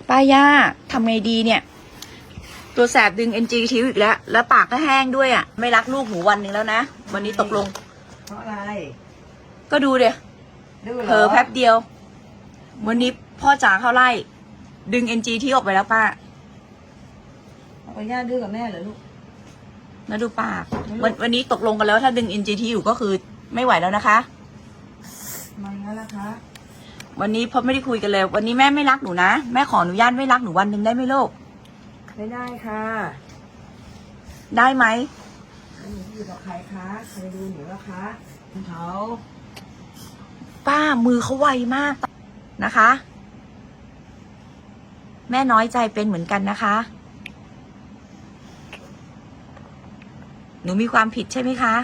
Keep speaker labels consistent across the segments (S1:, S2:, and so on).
S1: ป้าย่าทำไงดีเนี่ยตัวแสบดึง NG ทิ้วอีกแล้วปากก็แห้งด้วยอ่ะไม่รักลูกหนูวันหนึ่งแล้วนะวันนี้ตกลง
S2: เพราะอะไร
S1: ก็ดูเดี๋ยวเผลอแป๊บเดียววันนี้พ่อจ๋าเข้าไล่ดึง NG ทิ้วออกไปแล้วป้า
S2: ป้าย่าดื้อกับแม่เหรอลูก
S1: แล้วดูปากวันนี้ตกลงกันแล้วถ้าดึง NG ทิ้วอยู่ก็คือไม่ไหวแล้วนะคะ
S2: มาแล้วนะคะ
S1: วันนี้พ่อไม่ได้คุยกันเลยวันนี้แม่ไม่รักหนูนะแม่ขออนุญาตไม่รักหนูวันหนึ่งได้ไหมลูก
S2: ไม่ได้ค่ะ
S1: ได้ไหม
S2: หนูอยู่กับใครคะใครดูหนูแล้วคะเขา
S1: ป้ามือเขาไวมากนะคะแม่น้อยใจเป็นเหมือนกันนะคะหนูมีความผิดใช่ไหมคะ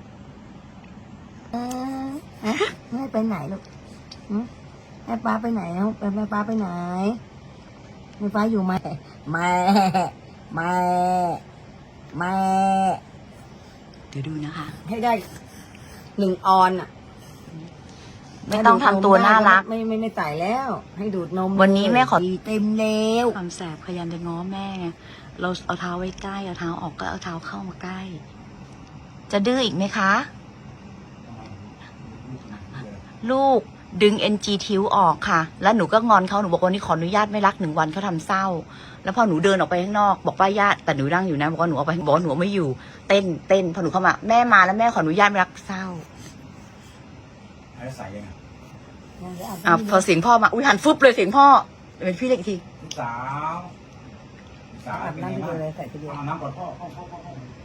S2: แม่ไปไหนลูกแม่ป้าไปไหนแม่ป้าไปไหนแม่ป้าอยู่ไหมแม่
S1: เดี๋ยวดูนะคะ
S2: ให้ได้1 ออนอ่ะ
S1: ไม่ต้องทำตัวน่ารัก
S2: ไม่ใส่แล้วให้ดูดนม
S1: วันนี้แม่ขอ
S2: เต็มแล้ว
S1: ความแสบพยายามจะง้อแม่ไงเราเอาเท้าไว้ใกล้เอาเท้าออกก็เอาเท้าเข้ามาใกล้จะดื้ออีกไหมคะลูกดึง NG ทิ้วออกค่ะแล้วหนูก็งอนเขาหนูบอกวันนี้ขออนุญาตไม่รัก1 วันเขาทำเศร้าแล้วพอหนูเดินออกไปข้างนอกบอกป้าญาติแต่หนูนั่งอยู่นะบอกว่าหนูออกไปบอกว่าหนูไม่อยู่เต้นพอหนูเข้ามาแม่มาแล้วแม่ขออนุญาตไม่รักเศร้า
S3: ใส่ยังไง
S1: พอเสียงพ่อมาหันฟุบเลยเสียงพ่อเป็นพี่เล็กอีกที
S3: ลูกสาว
S2: อาบน้ำไปเลยใส่ไปเลย
S3: เอาน้ำก่อนพ่อ